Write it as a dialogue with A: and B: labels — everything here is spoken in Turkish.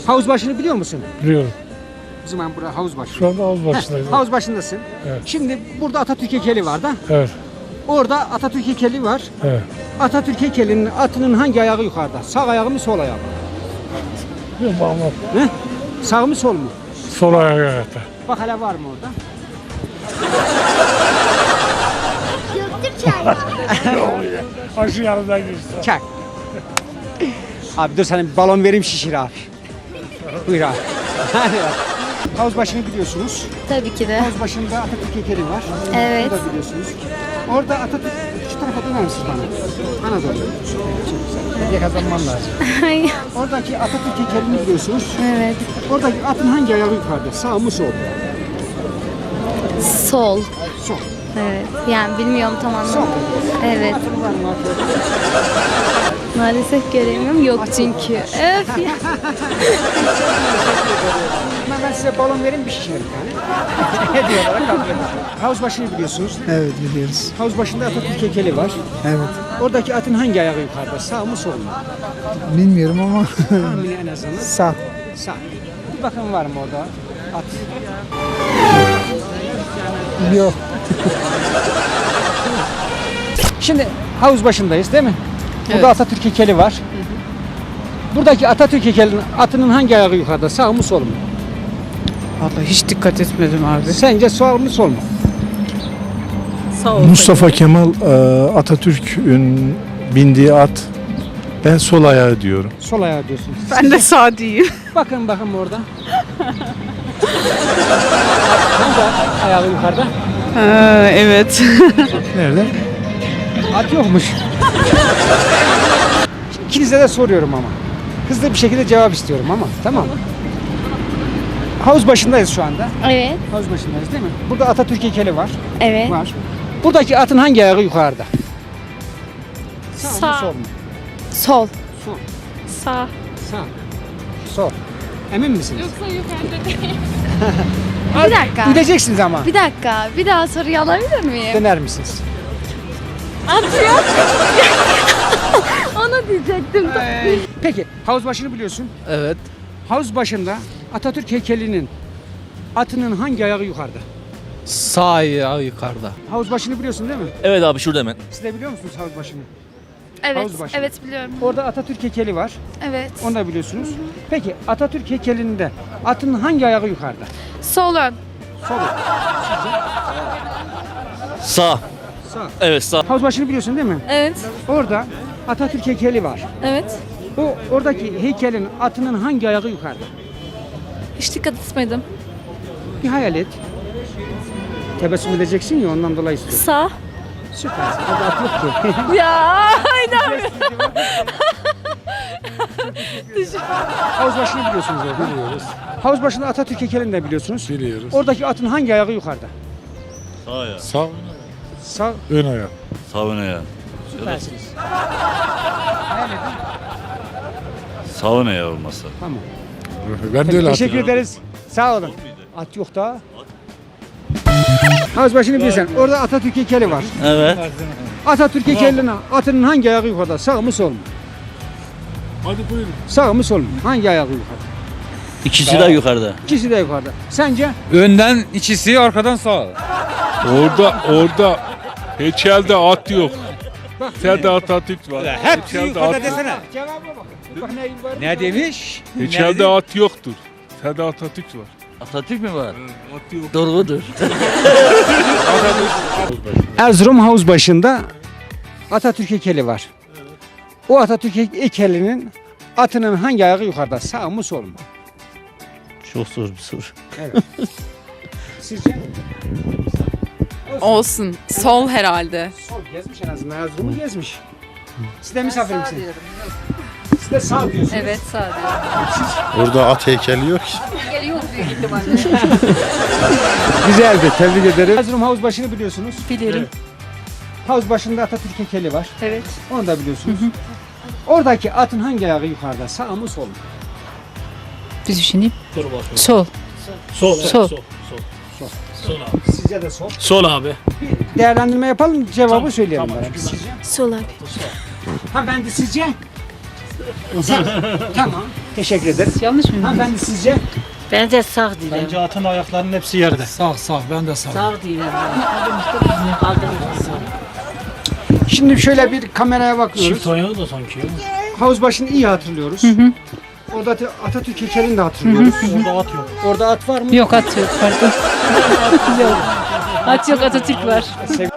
A: Havuz başını biliyor musun?
B: Biliyorum.
A: O zaman burası havuz başı.
B: Şu anda havuz başındayız.
A: Havuz başındasın.
B: Evet.
A: Şimdi burada Atatürk heykeli var da.
B: Evet.
A: Orada Atatürk heykeli var.
B: Evet.
A: Atatürk heykelinin atının hangi ayağı yukarıda? Sağ ayağı mı sol ayağı mı?
B: Biliyorum anlat.
A: Ne? Sağ mı sol mu?
B: Sol ayağı ayakta.
A: Bak hala var mı orada?
B: Aşı yanından geçti.
A: Çak. Abi dur sana bir balon vereyim şişir abi. Buyur abi. Havuz başını biliyorsunuz.
C: Tabii ki de.
A: Havuz başında Atatürk heykeli var.
C: Evet.
A: Onu da biliyorsunuz. Orada Atatürk, şu tarafa döner misiniz bana? Bana doğru. Evet, çok güzel. Hediye kazanmam lazım. Oradaki Atatürk heykelini biliyorsunuz.
C: Evet.
A: Oradaki atın hangi ayağı yukarıda? Sağ mı sol?
C: Sol.
A: Sol.
C: Evet. Yani bilmiyorum tam
A: Sol.
C: anlamı. Evet.
A: Atın var mı?
C: Maalesef göremiyorum. Yok çünkü. Öf ya.
A: Ben size balon vereyim bir şişerim yani. Hediye olarak kabul edin. Havuz başını biliyorsunuz.
D: Evet biliyoruz.
A: Havuz başında Atatürk heykeli var.
D: Evet.
A: Oradaki atın hangi ayağı yukarıda? Sağ mı sol mu?
D: Bilmiyorum ama
A: Tahmini en azından.
D: sağ.
A: Sağ. Bir bakın var mı orada at?
D: Yok.
A: Şimdi havuz başındayız değil mi? Burada Atatürk heykeli var. Buradaki Atatürk heykelinin atının hangi ayağı yukarıda? Sağ mı sol mu?
E: Vallahi hiç dikkat etmedim abi.
A: Sence sağ mı sol mu?
E: Sağ ol.
F: Mustafa Kemal Atatürk'ün bindiği at. Ben sol ayağı diyorum.
A: Sol ayağı diyorsunuz.
E: Ben de sağ diyeyim.
A: Bakın orada. Hangi ayağı yukarıda?
E: Ha, evet.
F: Nerede?
A: At yokmuş. İkinize de soruyorum ama. Hızlı bir şekilde cevap istiyorum ama. Tamam. Havuz başındayız şu anda.
C: Evet.
A: Havuz başındayız değil mi? Burada Atatürk heykeli var.
C: Evet.
A: Var. Buradaki atın hangi ayağı yukarıda? Sağ, mı
C: Sağ.
A: sol mu?
C: Sol.
A: Sol.
C: Sağ.
A: Sağ. Sol. Emin misiniz?
C: Bir dakika.
A: Gideceksiniz ama.
C: Bir dakika. Bir daha soruyu alabilir miyim?
A: Döner misiniz?
C: Atıyor. Onu diyecektim.
A: Peki havuz başını biliyorsun.
D: Evet.
A: Havuz başında Atatürk heykelinin atının hangi ayağı yukarıda?
D: Sağ ayağı yukarıda.
A: Havuz başını biliyorsun değil mi?
G: Evet abi şurada hemen.
A: Siz de biliyor musunuz havuz başını?
C: Evet.
A: Havuz başı.
C: Evet biliyorum.
A: Orada Atatürk heykeli var.
C: Evet.
A: Onu da biliyorsunuz. Peki Atatürk heykelinde atın hangi ayağı yukarıda?
C: Sol ön.
A: Sol.
G: Sağ.
A: Sağ.
G: Evet sağ.
A: Havuz başını biliyorsun değil mi?
C: Evet.
A: Orada Atatürk heykeli var.
C: Evet.
A: Oradaki heykelin atının hangi ayağı yukarıda?
C: Hiç dikkat etmedim.
A: Bir hayal et. Tebessüm edeceksin ya ondan dolayı istiyorum.
C: Sağ.
A: Süper. Orada at yok ki.
C: Ya.
A: Havuz başını biliyorsunuz orada. Biliyoruz. Havuz başında Atatürk heykelini de biliyorsunuz.
F: Biliyoruz.
A: Oradaki atın hangi ayağı yukarıda?
G: Sağ ya.
F: Sağ,
A: Sağ.
F: ön ayağı.
G: Sağ öne ya.
A: Süpersiniz.
G: Sağ öne ya olmasa.
A: Tamam.
F: Ben de öyle
A: Teşekkür ederiz. Sağ olun. At yok da. Havuz başını bilirsen. Orada Atatürk heykeli var.
G: Evet.
A: Atatürk heykelinin atının hangi ayağı yukarıda? Sağ mı sol mu?
F: Hadi buyurun.
A: Sağ mı sol mu? Hangi ayağı yukarıda?
G: İkisi de yukarıda.
A: İkisi de yukarıda. Sence?
B: Önden ikisi, arkadan sağ.
F: Orada heykelde at yok. Heykelde Atatürk var.
B: Hepsi
F: Heykelde
B: yukarıda
F: at,
B: desene.
A: Cevaba bak. Bak neyin var?
B: Ne demiş?
F: heykelde at yoktur. Heykelde Atatürk var.
G: Atatürk mü var?
F: At yok.
G: Doğrudur.
A: Erzurum havuz başında Atatürk heykeli var. O Atatürk heykelinin atının hangi ayağı yukarıda? Sağ mı sol mu?
G: Çok zor bir soru.
A: Evet. Sizce?
E: Olsun. Sol herhalde.
A: Sol gezmiş en azından. Erzurum'u gezmiş. Siz de misafir misiniz? Siz de sağ diyorsunuz.
E: Evet sağ diyorum.
H: Orada at heykeli yok ki.
E: Yok büyük ihtimalle.
A: Güzeldi. Tebrik ederim. Erzurum havuz başını biliyorsunuz.
E: Bilirim.
A: Havuz başında Atatürk heykeli var.
E: Evet.
A: Onu da biliyorsunuz. Oradaki atın hangi ayağı yukarıda? Sağ mı sol mu?
E: Bir düşüneyim. Sol. Sol. Sol.
A: Sizce de sol.
G: Sol abi.
A: Bir değerlendirme yapalım. Cevabı söyleyelim bana. Sizce?
C: Sol abi.
A: Ha ben de sizce? Tamam. Teşekkür ederiz.
E: Yanlış mı?
A: Hanımefendi sizce?
H: Bence sağ diyelim.
B: Bence atın ayaklarının hepsi yerde.
D: Sağ ben de sağ.
H: Sağ diyelim. Kaldırmıştı sağ.
A: Şimdi şöyle bir kameraya bakıyoruz.
B: ayağı da sanki ya.
A: Havuzbaşı'nı iyi hatırlıyoruz. Orada Atatürk heykelini de hatırlıyoruz.
B: Orada at yok.
A: Orada at var mı?
E: Yok at yok pardon. Yok. At yok Atatürk var.